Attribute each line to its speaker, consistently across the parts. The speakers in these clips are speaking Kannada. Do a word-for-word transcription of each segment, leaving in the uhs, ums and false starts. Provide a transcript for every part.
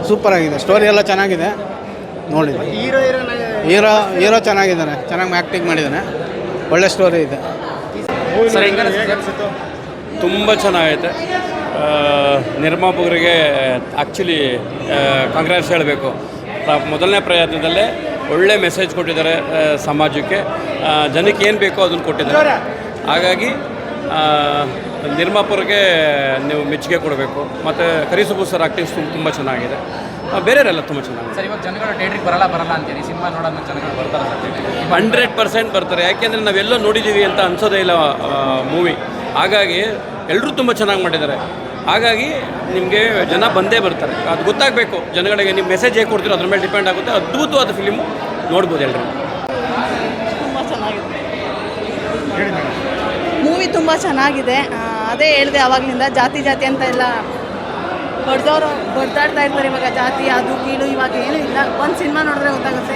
Speaker 1: ಸೂಪರಾಗಿದೆ, ಸ್ಟೋರಿ ಎಲ್ಲ ಚೆನ್ನಾಗಿದೆ. ನೋಡಿ,
Speaker 2: ಹೀರೋ
Speaker 1: ಹೀರೋ ಹೀರೋ ಚೆನ್ನಾಗಿದ್ದಾನೆ, ಚೆನ್ನಾಗಿ ಆ್ಯಕ್ಟಿಂಗ್ ಮಾಡಿದ್ದಾನೆ, ಒಳ್ಳೆ ಸ್ಟೋರಿ ಇದೆ.
Speaker 3: ತುಂಬ ಚೆನ್ನಾಗೈತೆ. ನಿರ್ಮಾಪಕರಿಗೆ ಆ್ಯಕ್ಚುಲಿ ಕಾಂಗ್ರೆಸ್ ಹೇಳಬೇಕು. ಮೊದಲನೇ ಪ್ರಯತ್ನದಲ್ಲೇ ಒಳ್ಳೆ ಮೆಸೇಜ್ ಕೊಟ್ಟಿದ್ದಾರೆ ಸಮಾಜಕ್ಕೆ, ಜನಕ್ಕೆ ಏನು ಬೇಕೋ ಅದನ್ನು ಕೊಟ್ಟಿದ್ದಾರೆ. ಹಾಗಾಗಿ ನಿರ್ಮಾಪಕರಿಗೆ ನೀವು ಮೆಚ್ಚುಗೆ ಕೊಡಬೇಕು. ಮತ್ತು ಕರಿಸುಬ್ಬು ಸರ್ ಆ್ಯಕ್ಟಿಂಗ್ಸ್ ತುಂಬ ಚೆನ್ನಾಗಿದೆ, ಬೇರೆಯವರೆಲ್ಲ ತುಂಬ ಚೆನ್ನಾಗಿದೆ.
Speaker 4: ಸರ್, ಇವಾಗ ಜನಗಳು ಥಿಯೇಟ್ರಿಗೆ ಬರಲ್ಲ ಬರಲ್ಲ ಅಂತೀರಿ, ಸಿನಿಮಾ ನೋಡೋಣ ಜನಗಳು ಬರ್ತಾರೆ ಸರ್?
Speaker 3: ಹಂಡ್ರೆಡ್ ಪರ್ಸೆಂಟ್ ಬರ್ತಾರೆ, ಯಾಕೆಂದರೆ ನಾವೆಲ್ಲೋ ನೋಡಿದ್ದೀವಿ ಅಂತ ಅನ್ಸೋದೇ ಇಲ್ಲ ಮೂವಿ. ಹಾಗಾಗಿ ಎಲ್ಲರೂ ತುಂಬ ಚೆನ್ನಾಗಿ ಮಾಡಿದ್ದಾರೆ. ಹಾಗಾಗಿ ನಿಮಗೆ ಜನ ಬಂದೇ ಬರ್ತಾರೆ, ಅದು ಗೊತ್ತಾಗಬೇಕು ಜನಗಳಿಗೆ. ನೀವು ಮೆಸೇಜ್ ಹೇಗೆ ಕೊಡ್ತೀರೋ ಅದ್ರ ಮೇಲೆ ಡಿಪೆಂಡ್ ಆಗುತ್ತೆ. ಅದ್ಭುತವಾದ ಫಿಲಿಮು, ನೋಡ್ಬೋದು ಎಲ್ಲರೂ.
Speaker 5: ತುಂಬ ಚೆನ್ನಾಗಿದೆ ಮೂವಿ, ತುಂಬ ಚೆನ್ನಾಗಿದೆ. ಅದೇ ಹೇಳಿದೆ ಆವಾಗಲಿಂದ, ಜಾತಿ ಜಾತಿ ಅಂತ ಎಲ್ಲ ಹೊಡೆದವರು ಹೊಡೆದಾಡ್ತಾ ಇರ್ತಾರೆ. ಇವಾಗ ಜಾತಿ ಅದು ಕೀಳು ಇವಾಗ ಏನೂ ಇಲ್ಲ. ಒಂದು ಸಿನಿಮಾ ನೋಡಿದ್ರೆ ಗೊತ್ತಾಗುತ್ತೆ,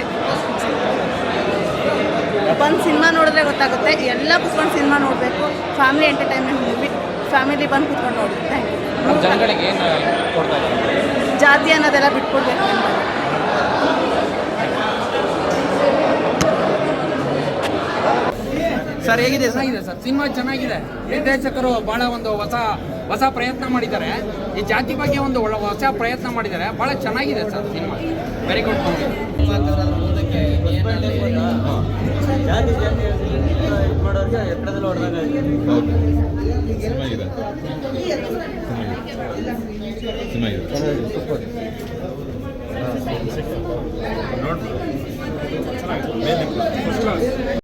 Speaker 5: ಒಂದು ಸಿನಿಮಾ ನೋಡಿದ್ರೆ ಗೊತ್ತಾಗುತ್ತೆ. ಎಲ್ಲ ಕುತ್ಕೊಂಡು ಸಿನಿಮಾ ನೋಡಬೇಕು. ಫ್ಯಾಮಿಲಿ ಎಂಟರ್ಟೈನ್ಮೆಂಟ್ ಮೂವಿ, ಫ್ಯಾಮಿಲಿ ಬಂದು ಕುತ್ಕೊಂಡು ನೋಡಿ. Thank you.
Speaker 4: ಜನಗಳಿಗೆ ಏನು ಕೊಡ್ತಾ ಇದ್ದಾರೆ?
Speaker 5: ಜಾತಿ ಅನ್ನೋದೆಲ್ಲ ಬಿಟ್ಕೊಡ್ಬೇಕು.
Speaker 4: ಸರ್, ಹೇಗಿದೆ? ಚೆನ್ನಾಗಿದೆ ಸರ್, ಸಿನಿಮಾ ಚೆನ್ನಾಗಿದೆ. ನಿರ್ದೇಶಕರು ಭಾಳ ಒಂದು ಹೊಸ ಹೊಸ ಪ್ರಯತ್ನ ಮಾಡಿದ್ದಾರೆ. ಈ ಜಾತಿ ಬಗ್ಗೆ ಒಂದು ಒಳ್ಳೆ ಹೊಸ ಪ್ರಯತ್ನ ಮಾಡಿದ್ದಾರೆ. ಭಾಳ ಚೆನ್ನಾಗಿದೆ sir cinema. Very good movie.
Speaker 6: ನೋಡ್ಬೋದು.